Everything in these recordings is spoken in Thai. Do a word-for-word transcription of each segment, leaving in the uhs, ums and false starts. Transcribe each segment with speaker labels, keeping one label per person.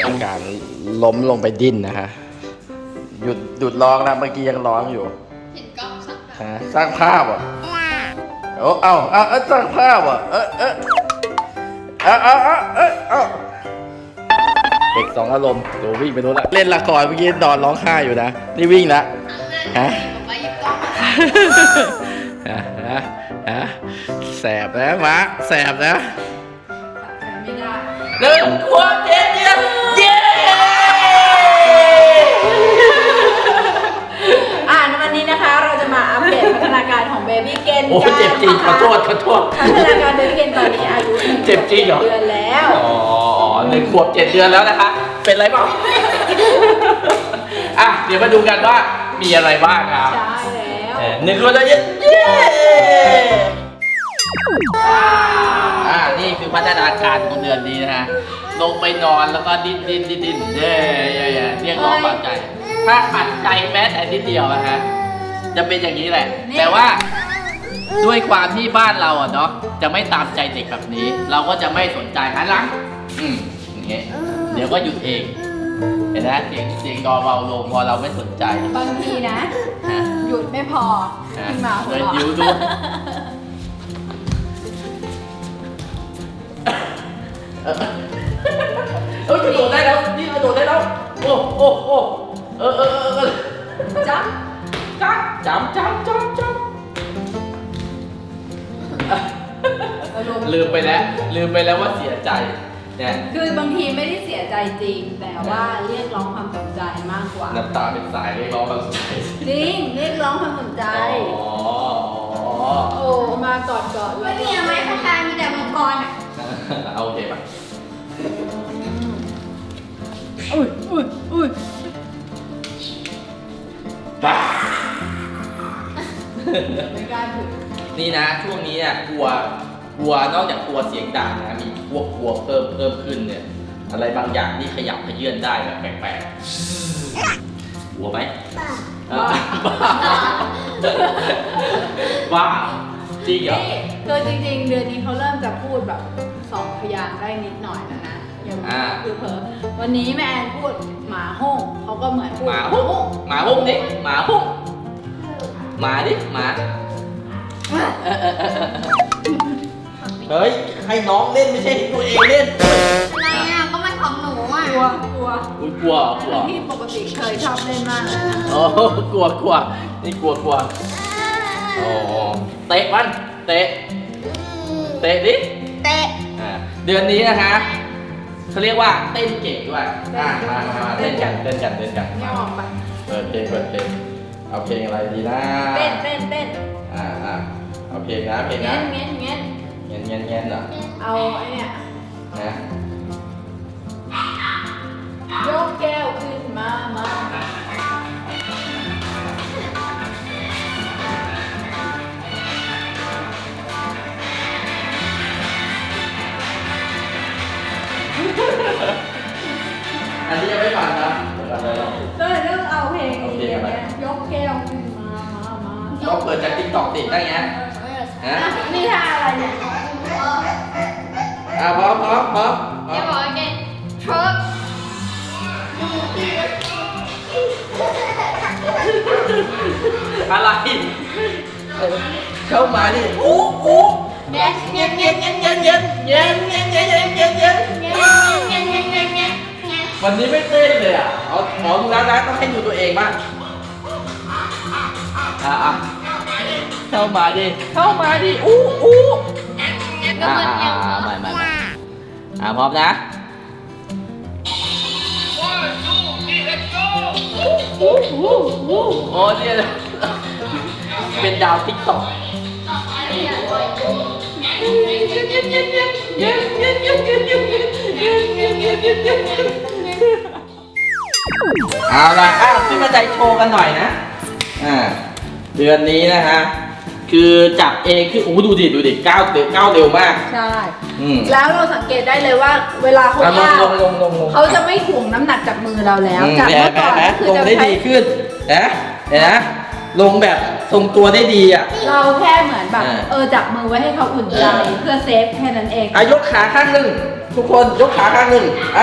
Speaker 1: อาการล้มลงไปดิ้นนะฮะหยุดหยุดร้องนะเมื่อกี้ยังร้องอยู่เห็นกล้องฮะสร้างภาพอ่ะโอ้เอาเอาเอาสร้างภาพอ่ะเออเออเอาเอาเอาเออเอาเด็กสองอารมณ์ตัววิ่งไปนู้นละเล่นละครเมื่อกี้นอนร้องไห้อยู่นะนี่วิ่งละฮะฮะฮะฮะแสบนะมะแสบนะ
Speaker 2: ไม่ได้
Speaker 1: หนึ่งขวบเจ็ดเดือนเย้
Speaker 2: อ่าในวันนี้นะคะเราจะมาอัปเดตพัฒนาการของเบบี้เกนกัน
Speaker 1: โอ้เจ็บจริงขอโทษขอโทษ
Speaker 2: พัฒนาการเบบี้เกนตอนนี้อายุ
Speaker 1: เจ็บจริงเหรอ
Speaker 2: เดือนแล้ว
Speaker 1: อ๋อหนึ่งขวบเจ็ดเดือนแล้วนะคะเป็นไรบ้างอ่ะเดี๋ยวมาดูกันว่ามีอะไรบ้างครับ
Speaker 2: ใช่แล้ว
Speaker 1: หนึ่งขวบเจ็ดเย้อ่านี่คือพัฒนาการของเดือนนี้นะฮะลงไปนอนแล้วก็ดิ้นดิ้นดิ้นดิ้นเย้เย้เย้เรียกร้องความใจถ้าขัดใจแม้แต่นิดเดียวนะฮะจะเป็นอย่างนี้แหละแต่ว่าด้วยความที่บ้านเราอ่ะเนาะจะไม่ตามใจเด็กแบบนี้เราก็จะไม่สนใจหันหลังอืมอย่างเงี้ยเดี๋ยวก็หยุดเองเห็นไหมเสียงเสียงดอเบาลงพอเราไม่สนใจ
Speaker 2: บางทีนะหยุดไม่พอขึ้นมาหัวเราะ
Speaker 1: ยิ้วดูเออกระโดดได้แล้วนี่กระโดดได้แล้วโอ้โอ้โอ้เออเออเออจับจับจับจับจับจับลืมไปแล้วลืมไปแล้วว่าเสียใจเนี่ย
Speaker 2: คือบางทีไม่ได้เสียใจจริงแต่ว่าเรียกร้องความสนใจมากกว่า
Speaker 1: น้ำตาเป็นสายเรียกร้องความสนใจ
Speaker 2: จริงเรียกร้องความสนใจ
Speaker 1: อ๋อ
Speaker 2: โอ้มากอดกอดเลย
Speaker 3: ไม่มีอะไรคล้ายๆมีแต่มังกรอ่ะ
Speaker 1: เอาโอเคป่ะ
Speaker 2: อุ้ยอุ้ยอุ้ย
Speaker 1: บ้า
Speaker 2: ไม่กล้าถึง
Speaker 1: นี่นะช่วงนี้เนี่ยกลัวกลัวนอกจากกลัวเสียงดังนะมีพวกกลัวเพิ่มเพิ่มขึ้นเนี่ยอะไรบางอย่างที่ขยับขยื่นได้แบบแปลกๆกลัวไหมบ้าบ้าจริงเหรอ
Speaker 2: คือจริงๆเดือนนี้เขาเริ่มจะพูดแบบสองพยางค์ได้นิดหน่อยแล้วนะอย่างคือเผลอวันนี้แม่แอนพูดหมาห้องเขาก็เหมือนพูด
Speaker 1: หมาห้องหมาห้องดิหมาห้องหมาดิหมาเฮ้ยให้น้องเล่นไม่ใช่ตัวเองเล่น
Speaker 3: อะไรอ่ะก็มันของหนูอ่ะ
Speaker 2: กลัวกลัว
Speaker 1: อุ้ยกลัวกลัว
Speaker 2: ที่ปกติเคยชอบเล่นมากเลยนะ
Speaker 1: โอ้กลัวกลัวนี่กลัวกลัวโอ้เตะมันเตะเตะดิ
Speaker 3: เตะ
Speaker 1: เดือนนี้นะคะเขาเรียกว่าเต้นเก่งด้วยอ่ะมามาเต้นกันเต้นกันเต้นกัน
Speaker 2: ไม่ออกไป
Speaker 1: เปิดเพลงเปิดเพลงเอาเพลงอะไรดีนะ
Speaker 2: เต้นเต้นเต้น
Speaker 1: อ่าอ่าเอาเพลงนะเพลงนะ
Speaker 2: เงี้ยเงี้ย
Speaker 1: เงี้ยเงี้ยเงี้ยเหรอ
Speaker 2: เอาไอ้เนี่ย
Speaker 1: นะ
Speaker 2: ยกแก้วขึ้นมามา
Speaker 1: อันนี้ยังไม่ฟังนะ
Speaker 2: เดี๋ยวเริ่มเอาเพลงนี้ยกแก้วขึ้นมามามา
Speaker 1: ก็เปิดจากติ๊กต็อกติดได้ไงฮะ
Speaker 2: นี่ท่าอะไรเนี่ย
Speaker 1: อ่ะพร้อมพร้อมพร้อม
Speaker 3: เดี๋ยวบอกแกทรัค
Speaker 1: อะไรเข้ามาดิอู้อู้
Speaker 3: เงี้ยเงี้ยเงี้ยเงี้ยเงี้ยเงี้ยเงี้ยเงี้ยเงี้ยเงี้ยเงี้ยเงี้ยเงี้ยเงี้ยเงี้ยเงี้ยเงี้ยเงี้ย
Speaker 1: วันนี้ไม่เต้นเลยอ่ะเอาหมอดูแล้วนะต้องให้ดูตัวเองบ้างอ่ะอ่ะเข้ามาดิเข้ามาดิอู้อู้อ่าอ่าอ่าไม่ไม่ไม่อ่าพร้อมนะโอ้โหเนี่ยเป็นดาวติ๊กต็อกเอาล่ะอ้าวขึ้นมาใจโชว์กันหน่อยนะอ่าเดือนนี้นะฮะคือจับเองคือโอ้ดูดิดูดิก้าวเร็วก้าวเร็วมาก
Speaker 2: ใช่แล้วเราสังเกตได้เลยว่าเวลาเขาก้าวเขาจะไม่ถ่วงน้ำหนักจากมือเราแล้วจากเมื่อก่อน
Speaker 1: คือจะได้ดีขึ้นนะเห็นนะลงแบบทรงตัวได้ดีอ่ะ
Speaker 2: เราแค่เหมือนแบบเออจับมือไว้ให้เขาอุ่นใจเพื่อเซฟแค่นั้นเอง
Speaker 1: อ่ะยกขาข้างหนึ่งทุกคนยกขาข้างหนึ่งอ่า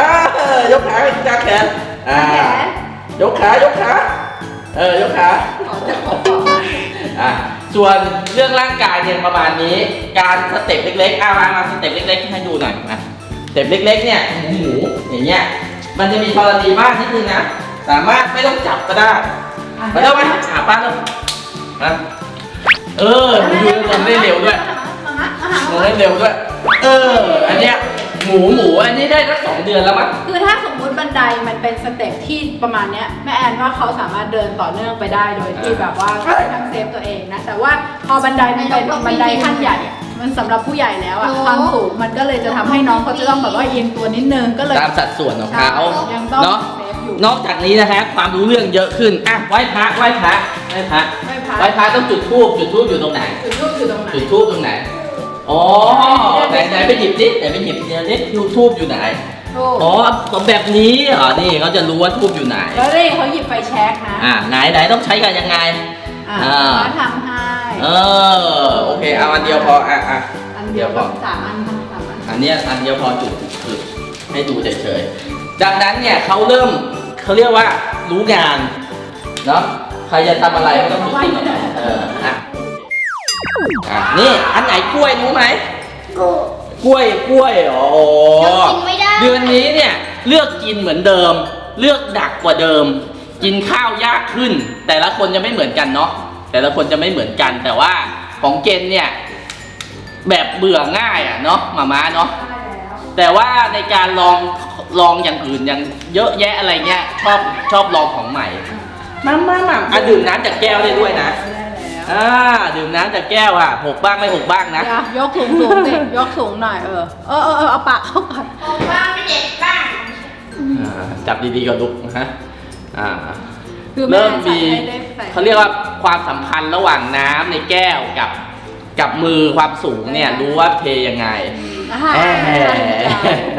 Speaker 1: อยกขากางแขนอ่า
Speaker 2: แขน
Speaker 1: ยกขายกขาเออยกขา
Speaker 2: ขอจะขอบอก
Speaker 1: อ่ะส่วนเรื่องร่างกายเนี่ยประมาณนี้การสเต็ปเล็กๆอ่ะมามาสเต็ปเล็กๆให้ดูหน่อยมาสเต็ปเล็กๆเนี่ยหมูอย่างเงี้ยมันจะมีธรณีบ้างนิดนึงนะสามารถไม่ต้องจับก็ได้มาเร็วไหมหาป้าเร็วนะเออดูลงได้เร็วด้วยลงได้เร็วด้วย เอออันเนี้ยหมูหมูอันนี้ได้สักสองเดือนแล้วมั้ง
Speaker 2: คือถ้าสมมุติบันไดมันเป็นสเต็ปที่ประมาณเนี้ยแม่แอนว่าเขาสามารถเดินต่อเนื่องไปได้โดยที่แบบว่าทั้งเซฟตัวเองนะแต่ว่าพอบันไดมันเป็นบันไดขั้นใหญ่อะมันสำหรับผู้ใหญ่แล้วอะความสูงมันก็เลยจะทำให้น้องเขาจะต้องแบบว่าเอียงตัวนิดนึงก็เลย
Speaker 1: ตามสัดส่วนของเขา
Speaker 2: ยังต้อง
Speaker 1: เนาะ
Speaker 2: เซฟอยู่
Speaker 1: นอกจากนี้นะฮะความรู้เรื่องเยอะขึ้นอ่ะไหว้พระไหว้พระไหว้พระ
Speaker 2: ไหว้พระ
Speaker 1: ไหว้พระต้องจุดธูปจุดธูปอยู่ตรงไหน
Speaker 2: จุดทูบอยู่ตรงไหน
Speaker 1: จุดธูปตรงไหนอ๋อไหนไหนไปหยิบดิไหนไปหยิบเดี๋ยวนี้ธูปอยู่ไหน
Speaker 2: ทูบ
Speaker 1: อ๋อแบบนี้เหรอนี่เขาจะรู้ว่าธูปอยู่ไหน
Speaker 2: แล้วนี่เขาหยิบไฟแช็กนะ
Speaker 1: อ่าไหนไหนต้องใช้กันยังไง
Speaker 2: อ่า
Speaker 1: อ่า
Speaker 2: เขาทำให้
Speaker 1: เออโอเคเอาอันเดียวพออ่ะอ่ะ
Speaker 2: อันเดียวกับสามอันทำสามอัน
Speaker 1: อันเนี้ยอันเดียวพอจุดจุดให้ดูเฉยๆจากนั้นเนี่ยเขาเริ่มเขาเรียกว่ารู้งานเนาะใครจะทำอะไรก็ต้องจุดที่ไหนเอออ่ะอ่ะนี่อันไหนกล้วยรู้ไหม
Speaker 3: กู
Speaker 1: กล้วยกล้วยอ๋อ
Speaker 3: กินไม่ได้
Speaker 1: เดือนนี้เนี่ยเลือกกินเหมือนเดิม เลือกดักกว่าเดิม กินข้าวยากขึ้น แต่ละคนจะไม่เหมือนกันเนาะแต่ละคนจะไม่เหมือนกัน แต่ว่าของเกณฑ์เนี่ยแบบเบื่อง่ายอ่ะเนาะหมาม้าเนาะ
Speaker 2: ได้แล้ว
Speaker 1: แต่ว่าในการลองลองอย่างอื่นอย่างเยอะแยะอะไรเงี้ยชอบชอบลองของใหม่มามามาอ่ะดื่มน้ำจากแก้วได้ด้วยนะ
Speaker 2: ได้แล้ว
Speaker 1: อ่าดื่มน้ำจากแก้วอ่ะหกบ้างไม่หกบ้างนะ
Speaker 2: เดี๋ยวยกสูงสูงสิยกสูงหน่อยเออเออเออเออเอาปากเข้าก่อน
Speaker 3: โอ้บ้างไม่เด็กบ้าง
Speaker 1: อ่าจับดีๆก่อนลูกนะฮะอ่า
Speaker 2: คือ
Speaker 1: เริ่ม
Speaker 2: ไใส่
Speaker 1: มี
Speaker 2: ให้ได้ใส่
Speaker 1: เขาเรียกว่าความสัมพันธ์ระหว่างน้ำในแก้วกับกับมือความสูงเนี่ยรู้ว่าเทยังไง
Speaker 2: อ่า
Speaker 1: แหม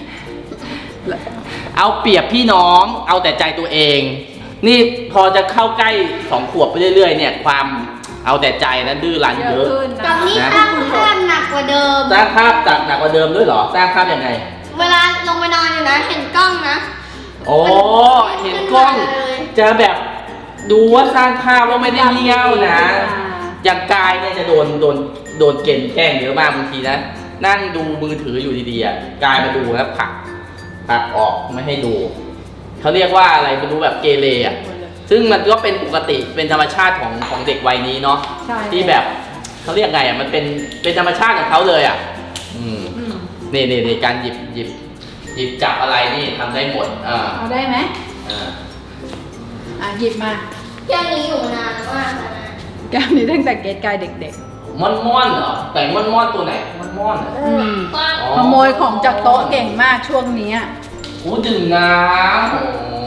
Speaker 1: เอาเปรียบพี่น้องเอาแต่ใจตัวเอง นี่พอจะเข้าใกล้สองขวบไปเรื่อยๆเนี่ยความเอาแต่ใจนั้นดื้อรั้น
Speaker 2: เย
Speaker 1: เย
Speaker 2: อะ
Speaker 1: อะ
Speaker 2: ขึ้น
Speaker 3: กั
Speaker 2: นะ
Speaker 3: บนี่สร้างภาพหนักกว่าเดิม
Speaker 1: สร้างภาพจากหนักกว่าเดิมด้วยเหรอสร้างภาพยังไง
Speaker 3: เวลาลงไปนอนอยู่นะ เห็นกล้องนะ
Speaker 1: โอ้เห็นกล้องจะแบบดูว่าสร้างภาพว่าไม่ได้เงี้ยวนะอย่างกายเนี่ยจะโดนโดนโดนเกณฑ์แกล้งเยอะมากบางทีนะนั่งดูมือถืออยู่ดีๆอ่ะกายมาดูแล้วผลักผลักออกไม่ให้ดูเขาเรียกว่าอะไรไม่รู้แบบเกเรอ่ะซึ่งมันก็เป็นปกติเป็นธรรมชาติของของเด็กวัยนี้เนาะ
Speaker 2: ใช่
Speaker 1: ที่แบบเขาเรียกไงอ่ะมันเป็นเป็นธรรมชาติของเขาเลยอ่ะอืม
Speaker 2: อืม
Speaker 1: นี่นี่นี่การหยิบหยิบหยิบจับอะไรนี่ทำได้หมดอ่า
Speaker 2: เอาได้ไหม
Speaker 1: อ่า
Speaker 2: อ่ะหยิบมา
Speaker 3: แค่นี้อยู่นานมากแล้วนะ
Speaker 2: แก้วนี้ตั้งแต่เกตกายเด็ก
Speaker 1: ม่อนม่อนเหรอแต่งม่อนม่อนตัวไหนม่อนม่อนเหรอ
Speaker 2: ๆอืม
Speaker 3: กว้าง
Speaker 1: อ๋อ
Speaker 2: ขโมยของจากโต๊ะเก่งมากช่วงนี้อะ
Speaker 1: โอ้ดื่มน้ำโอ้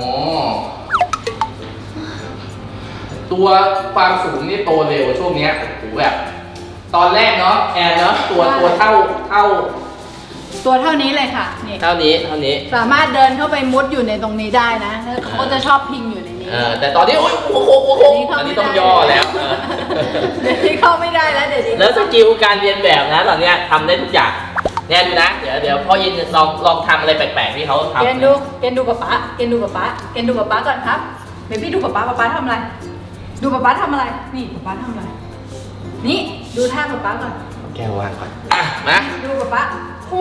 Speaker 1: ตัวความสูงนี่โตเร็วช่วงเนี้ยโอ้โหแบบ ตอนแรกเนาะแอนเนาะตัวตัวเท่าเท่า
Speaker 2: ตัวเท่านี้เลยค่ะนี่
Speaker 1: เท่านี้เท่านี้
Speaker 2: สามารถเดินเข้าไปมุดอยู่ในตรงนี้ได้นะแล้วเขาก็จะชอบพิงอยู่ในนี้
Speaker 1: เออแต่ตอนนี้โอ้ยโอ้โหโอ้โห
Speaker 2: อั
Speaker 1: อั
Speaker 2: น
Speaker 1: น
Speaker 2: นี้
Speaker 1: นี้
Speaker 2: เข้า
Speaker 1: ต้อง
Speaker 2: ไม่ได้
Speaker 1: ย่อแล้วเออ
Speaker 2: เดี๋ยวนี้เข้าไม่ได้แล้วเดี๋ยวนี้
Speaker 1: แล้วสกิลการเรียนแบบนะตอนเนี้ยทำได้ทุกอย่างแน่ดูนะ เดี๋ยวเดี๋ยวพ่อยินลองลองทำอะไรแปลกๆที่เขาทำ
Speaker 2: เกณฑ์ดูเกณฑ์ดูป๊าป๊าเกณฑ์ดูป๊าป๊าเกณฑ์ดูป๊าป๊าก่อนครับเบบี้ดูป๊าป๊าป๊าป๊าทำอะไร ดูป๊าป๊าทำอะไร นี่ป๊าป๊าทำอะไร นี่ดูท่าป๊าป๊าก่อน
Speaker 1: แก้วว่างก่อนอ่ะมา
Speaker 2: ดูป๊าป๊าอู้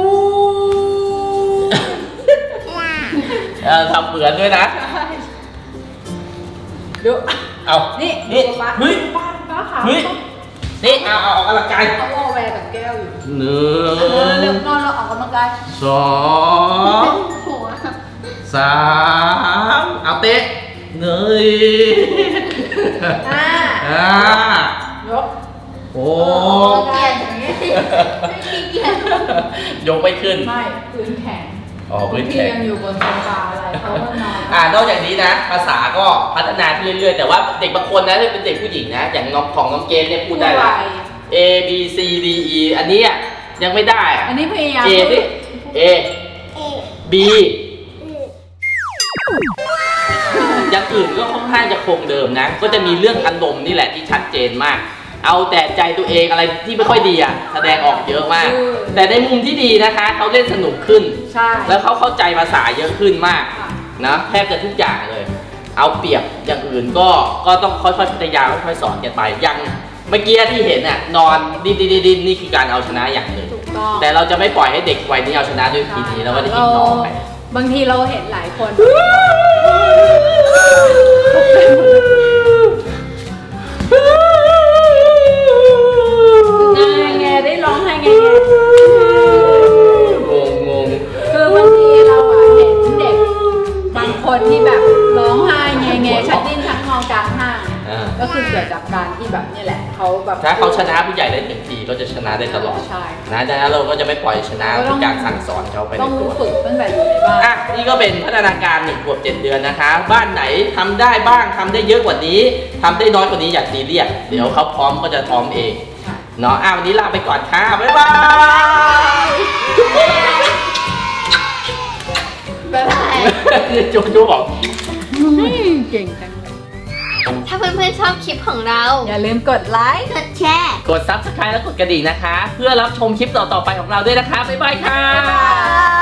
Speaker 1: เออทำเหมือนด้วยนะ
Speaker 2: ใช่ดู
Speaker 1: เอา
Speaker 2: นี่
Speaker 1: นี่
Speaker 2: ดูป๊าป๊า
Speaker 1: เฮ้ย
Speaker 2: ป๊าป๊าขา
Speaker 1: เฮ้ย นี่เอาเอาออกกำลังกาย
Speaker 2: เขาวอแวร์กับแก้วอยู่
Speaker 1: หนึ่
Speaker 2: เออเร็ว
Speaker 1: ง
Speaker 2: นอนเราออกกำลังกาย
Speaker 1: สอง
Speaker 3: หัว
Speaker 1: สามเอาเตะเงย
Speaker 2: อ่า
Speaker 1: อ่าย
Speaker 2: ก
Speaker 1: โอ้
Speaker 2: เกียร์อย่างนี้
Speaker 3: ไม่ขี้เกียจ
Speaker 1: ยกไม่ขึ้น
Speaker 2: ไม่พื้นแข็ง
Speaker 1: อ๋อพื้นแข็ง
Speaker 2: พี่ยังอยู่บนโซฟาอะไรเขาก็นอน
Speaker 1: อ่านอกจากนี้นะ ภาษาก็พัฒนาขึ้นเรื่อยๆ แต่ว่าเด็กบางคนนะที่เป็นเด็กผู้หญิงนะ อย่างน้องของน้องเกณฑ์เนี่ยพูดได้ละ A B C D E อันนี้อ่ะยังไม่ได้อ่ะ
Speaker 2: อันนี้พยายาม
Speaker 1: A สิ A
Speaker 3: เอ๊ะ
Speaker 1: B อย่างอื่นก็ค่อนข้างจะคงเดิมนะ ก็จะมีเรื่องอารมณ์นี่แหละที่ชัดเจนมากเอาแต่ใจตัวเองอะไรที่ไม่ค่อยดีอ่ะแสดงออกเยอะมาก แต่ในมุมที่ดีนะคะเขาเล่นสนุกขึ้น
Speaker 2: ใช่
Speaker 1: แล้วเขาเข้าใจภาษาเยอะขึ้นมาก
Speaker 2: ค่ะ
Speaker 1: นะแทบจะทุกอย่างเลย เอาเปรียบอย่างอื่นก็ก็ต้องค่อยๆพัฒนาค่อยๆสอนกันไปอย่างเมื่อกี้ที่เห็นน่ะนอนดิ้นดิ้นดิ้นนี่คือการเอาชนะอย่างหนึ่ง
Speaker 2: ถูกต้อง
Speaker 1: แต่เราจะไม่ปล่อยให้เด็กวัยนี้เอาชนะด้วยวิธีนี้แล้วก็ได้ทิ้งน้องไป
Speaker 2: บางทีเราเห็นหลายคน ไงไงได้ร้องไห้ไงไง
Speaker 1: งงงง
Speaker 2: คือบางทีเราอะเห็นเด็กบางคนที่แบบร้องไห้ไงไงชัดดิ้นชักงอกลางห้างเนี่ย
Speaker 1: อ่า
Speaker 2: ก็คือเกิดจากการที่แบบนี่แหละเขาแบบ
Speaker 1: ถ้าเขาชนะผู้ใหญ่ได้หนึ่งทีก็จะชนะได้ตลอด
Speaker 2: ใช่
Speaker 1: นะดังนั้นเราก็จะไม่ปล่อยชนะเป็นการสั่งสอนเขาไปใน
Speaker 2: ต้อง
Speaker 1: ตัว
Speaker 2: ฝึกตั้งแต่อยู่ในบ้าน
Speaker 1: อ่ะนี่ก็เป็นพัฒนาการหนึ่งขวบเจ็ดเดือนนะคะ บ้านไหนทำได้บ้างทำได้เยอะกว่านี้ทำได้น้อยกว่านี้อย่าซีเรียสเดี๋ยวเขาพร้อมก็จะพร้อมเองเนาะอ่ะวันนี้ลาไปก่อนค่ะบ๊ายบาย
Speaker 2: บ๊ายบาย
Speaker 1: จูจูบอก
Speaker 2: เก่งจัง
Speaker 3: ถ้าเพื่อนๆชอบคลิปของเรา
Speaker 2: อย่าลืมกดไลค์
Speaker 3: กดแชร์
Speaker 1: กด ซับสไครบ์ และกดกระดิ่งนะคะ เพื่อรับชมคลิปต่อๆไปของเราด้วยนะคะบ๊ายบายค่ะ
Speaker 3: บ๊ายบาย